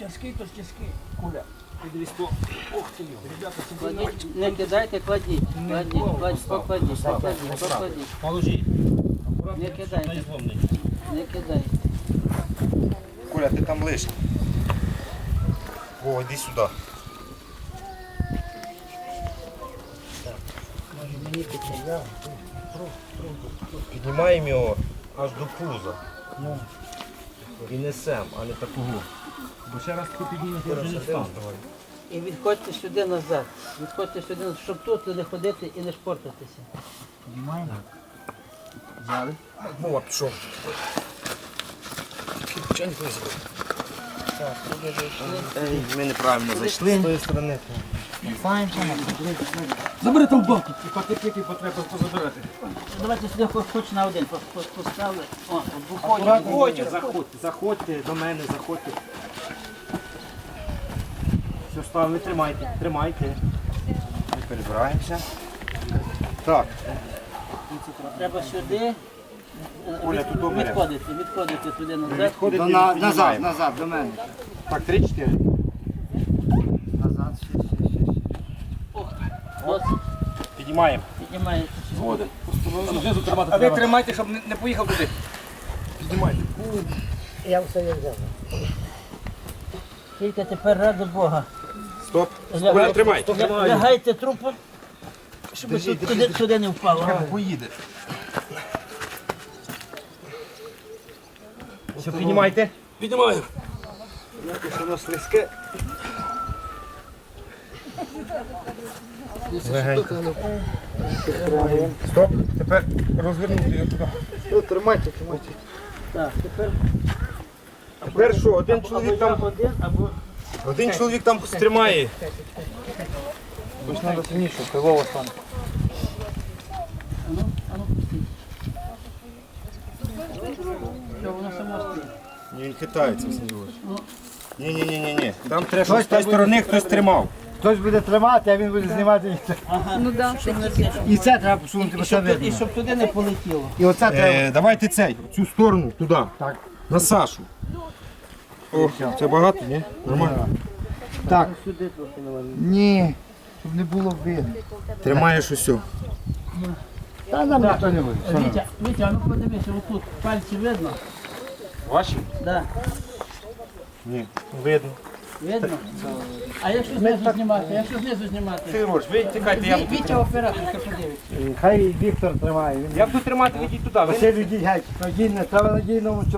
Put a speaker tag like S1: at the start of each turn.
S1: Тяжкий, то ж тяжкий. Куля. Підріс то. Ох ти його. Ребята, це
S2: Кладіть, не кидайте, кладіть. Покладіть.
S3: Положи.
S2: Не кидайте. Не кидайте.
S4: Коля, ти там лишній. О, йди сюди. Піднімаємо його аж до пуза. І несемо, а не такого.
S3: Бо ще раз ти піднімеш, я вже не встану.
S2: І відходьте сюди назад. Відходьте сюди, щоб тут не ходити і не шпортатися.
S1: Піднімаємо. Взяли.
S4: Мова пішов. Ми неправильно зайшли. З тої сторони.
S1: Забери там баки. І пакетики потреба позабирати.
S2: Давайте сюди хоч на один поставили. О,
S3: Заходьте, заходьте до мене, заходьте. Все, ставимо, тримайте.
S4: Ми перебираємося. Так.
S2: треба сюди.
S4: Оля, тут добре.
S2: Відходити туди назад.
S1: Назад, до мене.
S3: Так, 3-4.
S1: Назад, ще.
S2: Ось,
S3: Піднімаємо.
S2: піднімаєте.
S3: Згоден. Знизу тримати
S1: А ви
S3: треба.
S1: тримайте, щоб не поїхав туди.
S3: Піднімайте.
S1: Я все як взяв.
S2: Тільки тепер ради Бога.
S4: Стоп. Коля, тримай.
S2: Лягайте трупом, щоб туди не впало.
S4: Поїде.
S3: Все, піднімайте.
S1: Піднімаю.
S3: Якось воно слизьке.
S4: Стоп. Тепер розвернути його туди.
S1: Тримайте.
S2: Так, тепер
S4: Тепер що, один чоловік там,
S2: один або
S4: тримає.
S1: Бо ж треба сильніше, пилово стане.
S2: ану пустіть. Що, воно само стоїть.
S4: Ні, він хитається, Сергій. Ні. Там треба, щоб з тієї сторони хтось тримав.
S1: Хтось буде тримати, а він буде знімати. І це треба посунути, бо це
S2: І
S1: видно.
S2: щоб туди не полетіло.
S1: І оце треба.
S4: Давайте цей, цю сторону, туди.
S1: Так.
S4: На Сашу. О, це багато, ні? Нормально.
S1: Так.
S2: Сюди трохи навалюємо.
S1: Ні, щоб не було видно.
S4: Тримаєш усе.
S1: Та нам ніхто не буде.
S2: Вітя, а ну подивися, отут пальці видно?
S4: Ваші?
S2: Да.
S4: Ні. Видно.
S2: Видно? А якщо знизу знімати?
S4: Фігурош, ви тікайте, я буду.
S2: Вітя оператор, що подивиться.
S1: Хай Віктор тримає.
S3: Я буду тримати, ведіть туди.
S1: Василь, йдіть геть. Надійно, треба надійному.